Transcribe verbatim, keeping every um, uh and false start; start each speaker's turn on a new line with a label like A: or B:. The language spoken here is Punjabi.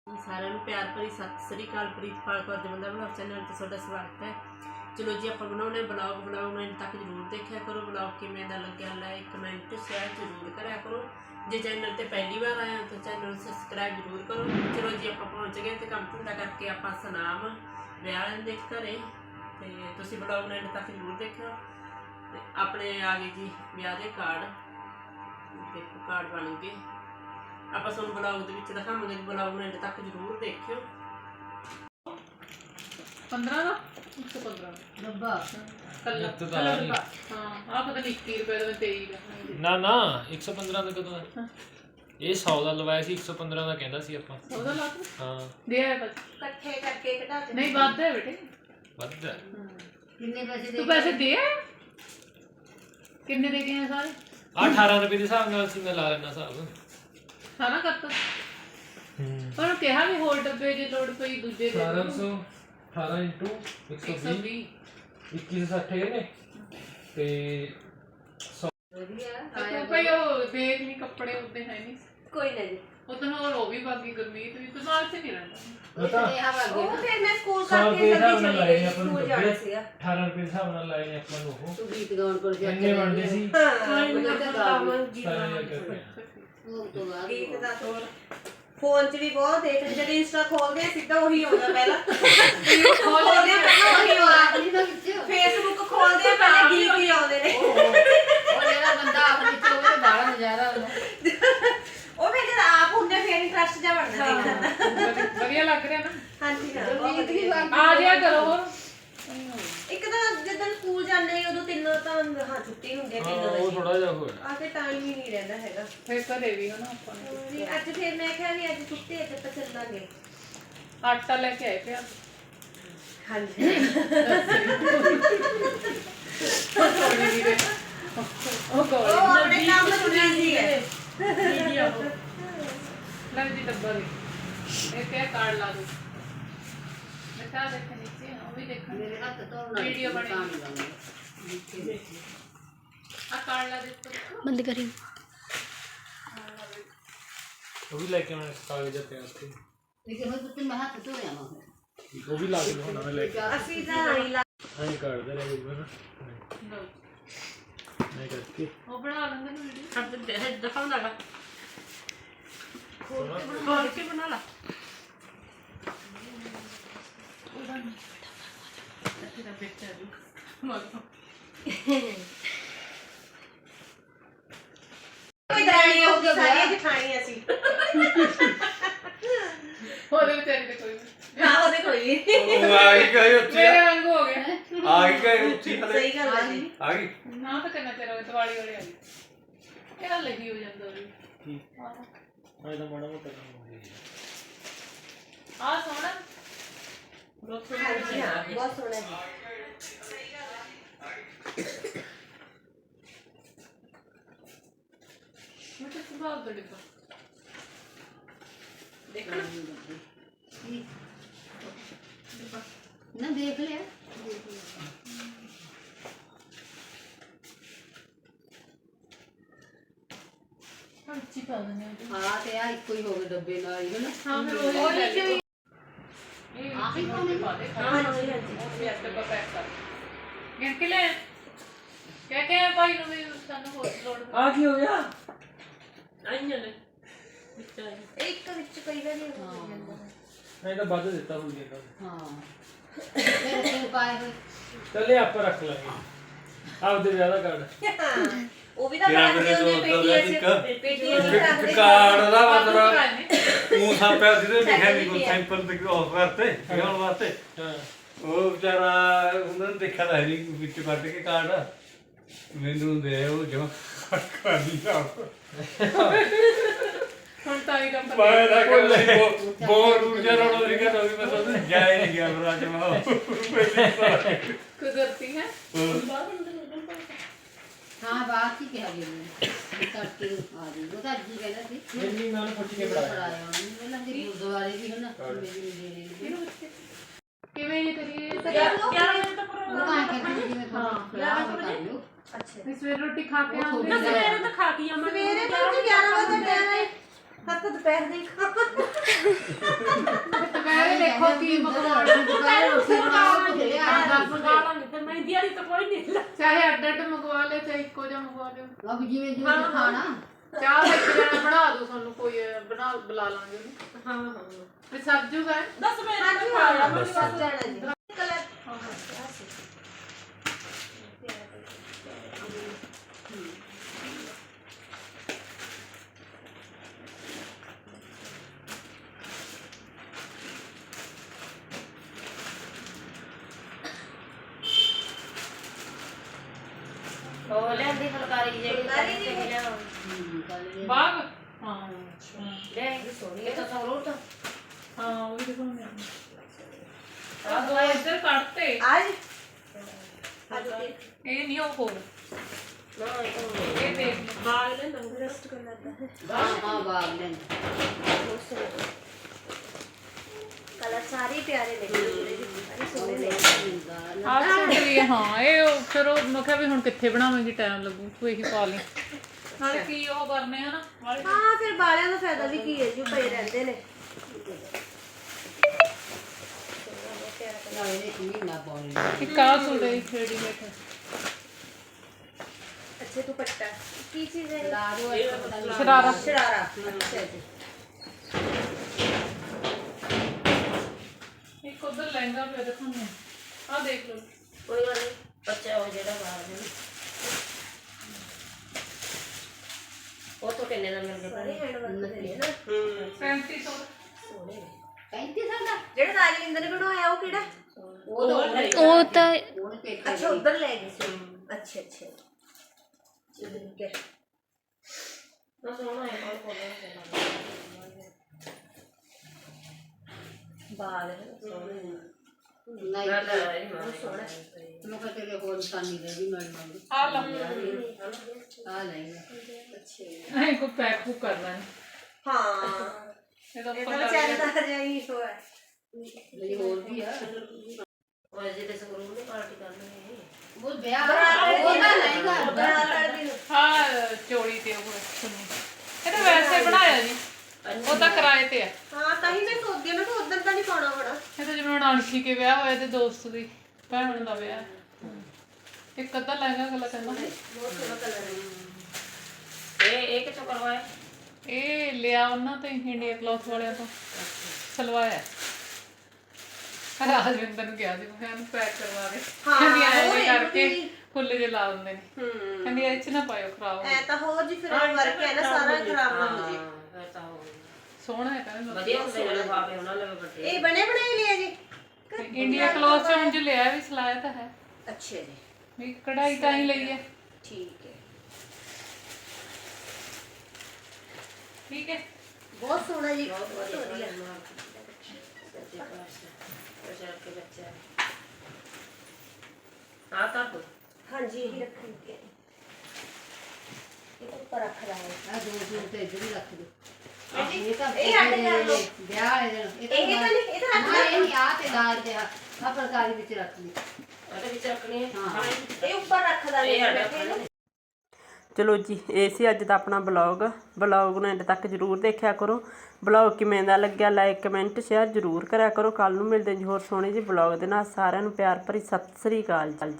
A: सारे प्यार भरी सत श्री अकाल। प्रीतपाल कौर जमंदा ब्लॉग चैनल ते तुहाडा स्वागत है। चलो जी आप बनाने ब्लॉग ब्लॉग में तक जरूर देखा करो। ब्लॉग किवें दा लग्या लाइक कमेंट शेयर जरूर करा करो। जे चैनल ते पहली बार आया तो चैनल सबसक्राइब जरूर करो। चलो जी आप पहुँच गए तो काम धंधा करके आप सनाम विआह दे घरे ते तुसीं ब्लॉग में तक जरूर देखो। अपने आ गए जी विआह दे कार्ड, देखो कार्ड बन गए। आप ब्लॉग के दिखावे ब्लॉग में तक जरूर देखियो।
B: पंद्रह का एक सौ पंद्रह डब्बा कल्ला कल्ला डब्बा हाँ आप पता नहीं इक्की रुपए का तेई का
C: ना ना एक सौ पंद्रह का कदों है ये सौ का लवाया सी एक सौ पंद्रह का कहंदा सी ਆਪਾਂ
B: सौ का लाख
C: हां
B: दे आए बस
A: इकट्ठे करके कटा दे।
B: नहीं बात है बेटे
C: ਵੱਧ ਹੈ
A: कितने पैसे
B: तू पैसे दे आया कितने दे गए हैं सारे
C: ਆ अठारह रुपए ਦੇ ਹਿਸਾਬ ਨਾਲ ਸੀ ਮੈਂ ਲਾ ਲੈਣਾ ਹਿਸਾਬ
B: सारा करता
C: ਹੂੰ
B: पर कहा भी होल डब्बे जे लोड पई दूजे दे
C: अठारह सौ अठारह इंटू एक सौ
B: एक सौ
C: बीस
B: बीस
C: इक्कीस सौ साठ ने ते
B: तो भाई वो देख नहीं कपड़े उतने है नहीं
A: कोई नहीं
B: उतना और वो भी बाकी गुरमीत भी दिमाग से नहीं रहता
C: ਪਤਾ
A: ਉਹ ਫਿਰ ਮੈਂ ਸਕੂਲ
C: सौ
A: ਕਰਕੇ
C: रुपए
A: ਜਲਦੀ
C: ਹਿਸਾਬ ਨਾਲ
A: ਚਲੀ
C: ਲਾਏ
A: ਗਈ।
C: ਨੇ ਆਪਾਂ ਨੂੰ
A: ਸਕੂਲ ਜਾਣਾ ਸੀਗਾ।
C: अठारह रुपए ਦੇ ਹਿਸਾਬ ਨਾਲ ਲਾਏ ਨੇ ਆਪਾਂ ਨੂੰ ਉਹ
A: ਤੂੰ ਗੀਤ ਗਾਉਣ ਕੋਲ ਜਾ
C: ਇੰਨੇ ਬਣਦੇ ਸੀ
A: ਹਾਂ ਮੈਨੂੰ ਤਾਂ ਗਾਉਣ ਗੀਤ
C: ਸਤਾਰਾਂ
A: ਗਾਉਣ
C: ਹਜ਼ਾਰ ਰੁਪਏ
A: ਉਹ ਤੋਂ ਬਾਅਦ ਗੀਤ ਦਾ ਤੋਰ ਫੋਨ 'ਚ ਵੀ ਬਹੁਤ ਦੇਖ ਜਦ ਇੰਸਟਾ ਖੋਲਦੇ ਆ ਸਿੱਧਾ ਉਹੀ ਆਉਂਦਾ ਪਹਿਲਾਂ ਖੋਲਦੇ ਆ ਪਹਿਲਾਂ ਉਹੀ ਆਉਂਦਾ ਫੇਸਬੁੱਕ ਖੋਲਦੇ ਆ ਪਹਿਲਾਂ ਗੀਤ ਹੀ ਆਉਂਦੇ ਨੇ
D: ਉਹ ਜਿਹੜਾ ਬੰਦਾ ਆਪਣੇ ਚ ਹੋਵੇ ਬੜਾ ਨਜ਼ਾਰਾ ਆਉਂਦਾ
A: ਉਹ ਫਿਰ ਜਦ ਆਪ ਹੁੰਦੇ ਫਿਰ ਇੰਟਰਸਟ ਜਾ ਬਣਦਾ ਦੇਖਣ ਦਾ।
B: बढ़िया लग रहा है ना
A: ਹਾਂਜੀ ਹਾਂ ਬਹੁਤ
D: ਗੀਤ ਵੀ
A: ਵਧੀਆ।
B: आ जाया करो और
A: ਇੱਕ ਤਾਂ ਜਦੋਂ ਸਕੂਲ ਜਾਂਦੇ ਉਦੋਂ ਤਿੰਨ ਤਾਂ ਹਾਂ ਛੁੱਟੀ ਹੁੰਦੀ ਹੈ
C: ਹਾਂ
A: ਤਿੰਨ
C: ਉਹ
A: ਵਜੇ
C: ਥੋੜਾ ਜਿਹਾ ਹੋਇਆ
A: ਆ ਕੇ ਟਾਈਮ ਹੀ ਨਹੀਂ ਰਹਿੰਦਾ ਹੈਗਾ।
B: फिर करे भी हो ना अपन
A: ਵੀ ਅੱਜ ਫਿਰ ਮੈਂ ਕਿਹਾ ਵੀ ਅੱਜ ਛੁੱਟੀ ਹੈ ਤੇ ਆਪਾਂ ਚੱਲਾਂਗੇ।
B: आटा लेके आए थे आप
A: ਹਾਂਜੀ
B: थोड़ी भी दे ओ
A: ਉਹ
B: कोई
A: ਆਪਣੇ ਕੰਮ ਨੂੰ ਬਿਜ਼ੀ ਹੈ।
B: वीडियो ले जी डब्बा भी ये क्या कार्ड ला दो बता देखे नीचे वो भी देखा
D: ਮੇਰੇ ਹੱਥ ਧੋਣਾ
B: वीडियो बने
D: ਤਾਂ ਨਹੀਂ ਲਾਉਂਦੇ
B: आ कार्ड ला दे तो
E: बंद करी
C: ਉਹ ਵੀ ਲੈ ਕੇ ਆਉਣਾ ਕਾਗਜ਼ ਤੇ ਉੱਥੇ
D: ਲੇਕਿਨ ਹੁਣ ਤੁਸੀਂ ਮੈਂ ਹੱਥ ਧੋਇਆ ਵਾ
C: ਉਹ ਵੀ ਲਾ ਕੇ ਦਿਖਾਉਣਾ ਮੈਂ ਲੈ ਕੇ
A: ਅਸੀਂ ਤਾਂ ਆਈ ਲਾ
C: ਐਂ ਕਰਦੇ ਰਹੇ ਬਣਾ
B: लो
C: ਮੈਂ ਕਰਕੇ
B: वो बना लेंगे ना वीडियो
A: अब देख दिखाऊं ना खोल के बना ला।
B: तेरा बेटा भी मारो
A: कोई दरानी हो गई सारी जठानी ਅਸੀਂ
B: ਉਹਦੇ ਵਿਚਾਰੇ ਤੇ ਕੋਈ ਨਹੀਂ
A: ਹਾਂ ਉਹਦੇ ਕੋਈ
F: ਉਹ ਆ ਗਈ ਗਈ ਉੱਚੀ
B: ਮੇਰੇ ਵਾਂਗ ਹੋ ਗਿਆ
F: ਆ ਗਈ ਗਈ ਉੱਚੀ ਹਲੇ
A: ਸਹੀ ਗੱਲ ਹੈ ਜੀ।
F: ਆ ਗਈ
B: ਨਾ ਤਾਂ ਕਰਨਾ ਤੇਰਾ ਦਿਵਾਲੀ ਵਾਲੇ ਆ ਗਈ ਕਿਹੜਾ ਲੱਗੀ ਹੋ ਜਾਂਦਾ ਉਹ
C: ਠੀਕ ਮੈਂ ਤਾਂ ਮਾੜਾ ਮੋਟਾ ਕੰਮ ਹੋ ਗਿਆ
B: ਆ ਸੋਹਣਾ
A: ਬਹੁਤ ਸੋਹਣਾ ਹੈ ਬਹੁਤ ਸੋਹਣਾ ਹੈ।
B: ਮੈਂ ਤਾਂ ਸੁਭਾਅ ਦਾ ਡਿੱਬਾ
A: ਦੇਖੋ
D: ਨਾ ਦੇਖ ਲਿਆ
B: ਹਾਂ ਚੀ ਪਾ ਦਿੰਦੇ ਆ
D: ਹਾਂ ਤੇ ਆ ਇੱਕੋ ਹੀ ਹੋ ਗਏ ਡੱਬੇ ਨਾਲ ਹੀ ਹੈ ਨਾ
B: ਹਾਂ ਫਿਰ ਉਹ ਹੀ ਇਹ
D: ਆਹੀ ਪਾਉਣੇ
B: ਪਾ ਦੇ
A: ਹਾਂਜੀ ਹਾਂਜੀ
B: ਉਹ ਵੀ ਅੱਜ ਡੱਬਾ ਪੈਕ ਕਰ ਗਿਣ ਕੇ ਲੈ ਕਹਿ ਕੇ ਭਾਈ ਨੂੰ ਵੀ ਸਾਨੂੰ ਹੋਰ ਲੋੜ
C: ਆ ਕੀ ਹੋ ਗਿਆ
A: ਆਈਆਂ ਨੇ ਇੱਕ ਵਿੱਚ ਕਈ ਵਾਰੀ ਹੋ ਜਾਂਦਾ ਹੈ।
C: ਮੈਂ ਤਾਂ ਵੱਧ ਦਿੱਤਾ ਹੋਈ ਜਾਂਦਾ
D: ਹਾਂ ਫਿਰ ਫਿਰ ਪਾਏ ਹੋਏ
C: ਚੱਲੇ ਆਪਾਂ ਰੱਖ ਲਾਂਗੇ ਆਪਦੇ ਵਿਆਹ ਦਾ ਕਾਰਡ
A: ਉਹ ਵੀ ਤਾਂ
F: ਤੇਰਾ
A: ਬਣਦੇ
F: ਮੇਰੇ
A: ਹੁੰਦੇ
F: ਤੋਂ
A: ਪੇਟੀਆਂ 'ਚ
F: ਇੱਕ-
A: ਪੇਟੀਆਂ 'ਚ ਰੱਖਦੇ
F: ਕਾਰਡ ਦਾ
B: ਬਾਬੂ
F: ਮਤਲਬ
B: ਭਰਾ
F: ਤੂੰ ਸਾਂਪਿਆ ਸੀ ਤੇ ਲਿਖਿਆ ਨਹੀਂ ਕੋਈ ਸੈਂਪਲ ਤੇ ਆਫ ਕਰਤੇ ਲਿਆਉਣ ਵਾਸਤੇ
C: ਹਾਂ
F: ਉਹ ਵਿਚਾਰਾ ਉਹਨਾਂ ਨੇ ਦੇਖਿਆ ਤਾਂ ਹੈ ਨਹੀਂ ਵਿੱਚ ਕੱਢ ਕੇ ਕਾਰਡ ਮੈਨੂੰ ਦੇ ਉਹ ਜਮਾ ਕਰ ਦਿਆ
B: ਹੁਣ ਤਾਂ ਇਹ ਕੰਮ
F: ਮੈਂ ਤਾਂ ਕਹਿੰਦਾ ਬਹੁਤ ਦੂਰ ਜਾ ਰਹਾ ਸੀ ਕਿ ਮੈਂ ਤਾਂ ਜਾਇ ਨਹੀਂ ਗਿਆ ਬਰਾ ਜਮਾ
B: ਕੁਦਰਤੀ ਹੈ
D: ਹਾਂ ਬਾਤ ਹੀ ਕਿਹਾ ਜੀ ਨੇ ਤੜਕੇ ਨੂੰ ਆ ਜੀ ਉਹ ਤਾਂ ਜੀ ਕਹਿੰਦਾ ਸੀ
C: ਇੰਨੀ ਮੈਂ ਉਹਨੂੰ ਪੁੱਛ ਕੇ
D: ਪੜਾਇਆ
C: ਪੜਾਇਆ
D: ਉਹਨੇ ਪਹਿਲਾਂ ਕਿ ਗੁਰਦੁਆਰੇ ਵੀ ਹਨ ਮੇਰੀ ਮੇਰੀ
B: ਇਹਨੂੰ ਕਿਵੇਂ ਇਹ ਕਰੀਏ
A: ਗਿਆਰਾਂ ਵਜੇ ਤੱਕ
D: ਉਹ ਤਾਂ ਕਹਿੰਦੇ ਜਿਵੇਂ
B: ਹਾਂ,
D: ਹਾਂ ਕਰ ਲਿਓ
A: ਅੱਛਾ
B: ਇਸ ਵੇਲੇ ਰੋਟੀ ਖਾ ਕੇ ਆਉਂਦੇ
D: ਨਾ
A: ਸਵੇਰੇ ਤਾਂ ਖਾ ਕੇ ਆਵਾਂਗੇ। ਸਵੇਰੇ ਤਾਂ ਗਿਆਰਾਂ ਵਜੇ ਦਾ ਟਾਈਮ ਹੈ। ਹੱਥ ਦੁਪਹਿਰ ਦੇ ਖਾ
B: ਦੁਪਹਿਰੇ ਦੇਖੋ ਕੀ ਪਕਵਾਨ
D: ਦੁਪਹਿਰੇ ਰੋਟੀ ਬਣਾਓ ਤੇ ਲਿਆ
A: ਲਾਂਗੇ ਤੇ ਮਹਿੰਦੀ ਵਾਲੀ ਤਾਂ ਕੋਈ ਨਹੀਂ ਲਾ
B: ਚਾਹੇ ਅੱਡ ਅੱਡ ਮੰਗਵਾ ਲਿਓ ਚਾਹੇ ਇੱਕੋ ਜਿਹਾ ਮੰਗਵਾ ਲਿਓ
D: ਬਾਬੂ ਜਿਵੇਂ ਜਿਵੇਂ ਖਾਣਾ
B: ਚਾਹ ਦਾ ਇੱਕ ਜਣਾ ਬਣਾ ਦੋ ਤੁਹਾਨੂੰ ਕੋਈ ਬਣਾ ਬੁਲਾ ਲਾਂਗੇ ਉਹਨੂੰ
A: ਹਾਂ ਹਾਂ
B: ਤੇ ਸਰ ਜੂਗਾ
A: ਦਸ ਵਜੇ ਤੱਕ ਖਾ ਲਾ ਮੈਂ ਬਸ ਜਾਣਾ ਜੀ ਕਲਰ
E: ਉਹ ਲੈਂਦੀ ਫੁਲਕਾਰੀ ਜਿਹੜੀ
A: ਫੁਲਕਾਰੀ ਦੀ
E: ਤੇ ਲਿਆ
B: ਬਾਗ ਹਾਂ
E: ਲੈ ਇਹ ਤਾਂ ਸੌ ਰੋਟ
B: ਹਾਂ ਉਹ ਵੀ ਦਿਖਾਉਂਦੇ ਆ ਦੋ ਇੱਧਰ ਕੱਟਤੇ
A: आज आज
B: ਇਹ ਨਹੀਂ ਉਹ ਹੋਰ
E: ਨਾ ਇਹ ਤਾਂ
B: ਇਹ ਦੇਖ
A: बाल ले ना रेस्ट कर लेता है
D: ਹਾਂ ਹਾਂ ਬਾਗ ਲੈਣ
A: कलर सारे प्यारे लगे सारे सोने लगे
B: ਆਹ ਸੂਟ ਲਈ ਹਾਂ ਇਹ ਉਹ ਫਿਰ ਉਹ ਮੈਂ ਕਿਹਾ ਵੀ ਹੁਣ ਕਿੱਥੇ ਬਣਾਵਾਂਗੀ ਟਾਈਮ ਲੱਗੂ ਤੂੰ ਇਹੀ ਪਾ ਲਈ ਨਾਲੇ ਕੀ ਉਹ ਕਰਨੇ ਹਨਾ ਵਾਲੇ
A: हाँ फिर बालियां का फायदा भी की है जो पे रहंदे ने
D: ਨਾਲੇ ਇੱਕ ਮਹੀਨਾ ਪਾਉਣੀ
B: ਇੱਕ ਆਹ ਸੂਟ ਹੈ ਰੈਡੀਮੇਡ
A: अच्छे दुपट्टा की चीज है
D: ਲਾ ਦੋ ਇੱਕ ਪਤਾ ਨਹੀਂ
B: ਸ਼ਰਾਰਾ
A: शरारा अच्छा जी
B: ਇੱਕ ਉਧਰ ਲਹਿੰਗਾ ਪਿਆ ਦਿਖਾਉਂਦੇ ਆ ਆਹ ਦੇਖ ਲਓ
E: ਕੋਈ ਗੱਲ ਨਹੀਂ ਬੱਚਾ ਉਹ ਜਿਹੜਾ ਬਾਹਰ ਦੇ ਉਹ ਤੋਂ ਕਿੰਨੇ ਦਾ ਮਿਲ ਗਿਆ
A: सारे हैंड वर्क दे ना
B: ਪੈਂਤੀ ਸੌ
D: ਪੈਂਤੀ ਸਾਲ ਦਾ
A: जेड़ा राजविंदर ने बनवाया वो केड़ा
D: ਉਹ ਤਾਂ ਉਹਨੇ
G: ਉਹ ਤਾਂ
D: ਉਹਨੇ ਪੇਕੇ
A: अच्छा उधर ले गई सी अच्छा अच्छा ठीक है
E: ਨਾ ਸੋਹਣਾ ਹੈ ਕੋਲ ਕੋਲ
A: बाल है सोने
D: ਨਹੀਂ
E: ਨਾ ਨਾ ਇਹ ਮਾਂ
D: ਮੈਂ ਕਿਹਾ ਤੇਰੇ ਹੋਰ ਨਿਸ਼ਾਨੀ ਦੇ ਵੀ ਮਿਲ ਮੰਗ
B: ਆ ਲਓ
D: ਆ ਨਹੀਂ
A: अच्छे
B: ਐਂ ਕੋ ਪੈਕ ਬੁੱਕ ਕਰਨਾ ਹੈ
A: हाँ
B: ਇਹਦਾ
A: ये तो
B: ਉੱਪਰ
A: बेचारे का जाई तो है
D: ਮੇਰੀ ਹੋਰ ਵੀ ਆ
E: ਉਹ ਜਿਹਦੇ ਸਕੂਲ ਨੂੰ ਪਾਰਟੀ ਕਰਨੀ ਹੈ
D: ਉਹ ਵਿਆਹ ਉਹ ਤਾਂ ਲਹਿੰਗਾ
A: बराबर दिन
B: ਹਾਂ ਚੋੜੀ ਤੇ ਉਹ ਸੁਣੀ ਇਹ ਤਾਂ ਵੈਸੇ ਬਣਾਇਆ ਜੀ ਉਹ ਤਾਂ ਕਿਰਾਏ ਤੇ ਆ
A: हाँ कहीं मैं सोच दिया मैं तो उधर तो नहीं पाना बड़ा
B: ਇਹ ਤਾਂ ਜਿਵੇਂ ਹੁਣ ਅਣਖੀ ਕੇ ਵਿਆਹ ਹੋਇਆ ਤੇ ਦੋਸਤ ਦੀ ਭੈਣ ਦਾ ਵਿਆਹ ਇੱਕ ਅੱਧਾ ਲਹਿੰਗਾ ਗੱਲਾਂ ਕਹਿੰਦਾ
A: बहुत सोना कलर है
E: ਇਹ ਇਹ ਕਿੱਥੋਂ ਕਰਵਾਇਆ
B: ਇਹ ਲਿਆ ਉਹਨਾਂ ਤੋਂ ਇੰਡੀਆ ਕਲੌਥ ਵਾਲਿਆਂ ਤੋਂ ਸਲਵਾਇਆ ਰਾਜਵਿੰਦਰ ਨੂੰ ਕਿਹਾ ਸੀ ਮੈਂ ਇਹਨੂੰ ਪੈਕ ਕਰਵਾ ਦੇ
A: ਹਾਂ,
B: ਕਹਿੰਦੀ ਐਂ
A: ਉਹ
B: ਜਿਹੇ
A: ਇਹਨੂੰ
B: ਕਰਕੇ
A: ਵੀ-
B: ਫੁੱਲ ਜੇ ਲਾ ਦਿੰਦੇ ਨੇ
A: हम्म
B: ਕਹਿੰਦੀ ਇਹ ਚ ਨਾ ਪਾਇਓ ਖਰਾਬ ਹੋ
A: ऐ तो हो जी फिर वर्क है ना सारा खराब ना हो जी
E: ਹਾਂ ਫਿਰ ਤਾਂ ਉਹ
B: ਸੋਹਣਾ ਹੈ ਕਹਿੰਦੇ
E: ਵਧੀਆ ਹੁੰਦੇ ਜਿਹੜੇ ਬਾਬੇ ਉਹਨਾਂ ਲਵੇ ਵੱਡੇ
A: ये बने बनाए लिए जी
B: ਇੰਡੀਆ ਕਲੌਥ ਚ ਹੁਣ ਜੋ ਲਿਆ ਵੀ ਸਿਲਾਇਆ ਤਾਂ ਹੈ
A: अच्छे जी
B: ਵੀ ਕਢਾਈ ਤਾਂ ਹੀ ਲਈ ਹੈ
A: ठीक है
B: ਠੀਕ ਹੈ
A: बहुत सोना जी
E: ਬਹੁਤ
A: बहुत
E: ਵਧੀਆ
A: बढ़िया
E: ਸੱਚੇ ਪਾਤਸ਼ਾਹ ਬਚਾ ਕੇ ਬੱਚਾ ਆ ਤਾਂ ਕੋ
A: हाँ जी यही रख के ये ऊपर रख रहा है
D: ਆ ਦੋ ਸੂਟ ਤੇ ਇੱਧਰ ਹੀ ਰੱਖ ਦੇ
A: बेटी,
D: ਇਹ ਤਾਂ
A: ਇਹ ਅੱਡ ਕਰ ਲਓ।
D: ਵਿਆਹ ਵਾਲੇ ਦਿਨ
A: ਇਹ ਤਾਂ ਨਹੀਂ ਇਹ ਤਾਂ ਰੱਖ
D: ਨਾ ਇਹ ਨਹੀਂ ਆ ਤੇ ਨਾਲ ਤੇ ਆ ਆਹ ਫੁਲਕਾਰੀ ਵਿੱਚ ਰੱਖ ਲਈ
E: ਉਹਦੇ ਵਿੱਚ ਰੱਖਣੀ ਹੈ
D: ਹਾਂ।
A: ਇਹ ਉੱਪਰ ਰੱਖਦਾ
E: ਇਹ
A: ਨਹੀਂ
E: ਸਾਡਾ
A: ਬੈਠੇ
H: ਚਲੋ ਜੀ ਇਹ ਸੀ ਅੱਜ ਦਾ ਆਪਣਾ ਬਲੌਗ ਬਲੌਗ ਨੂੰ ਐਂਡ ਤੱਕ ਜਰੂਰ ਦੇਖਿਆ ਕਰੋ ਬਲੌਗ ਕਿਵੇਂ ਦਾ ਲੱਗਿਆ ਲਾਈਕ ਕਮੈਂਟ ਸ਼ੇਅਰ ਜਰੂਰ ਕਰਿਆ ਕਰੋ ਕੱਲ ਨੂੰ ਮਿਲਦੇ ਜੀ ਹੋਰ ਸੋਹਣੇ ਜਿਹੇ ਬਲੌਗ ਦੇ ਨਾਲ ਸਾਰਿਆਂ ਨੂੰ ਪਿਆਰ ਭਰੀ ਸਤਿ ਸ੍ਰੀ ਅਕਾਲ ਜੀ।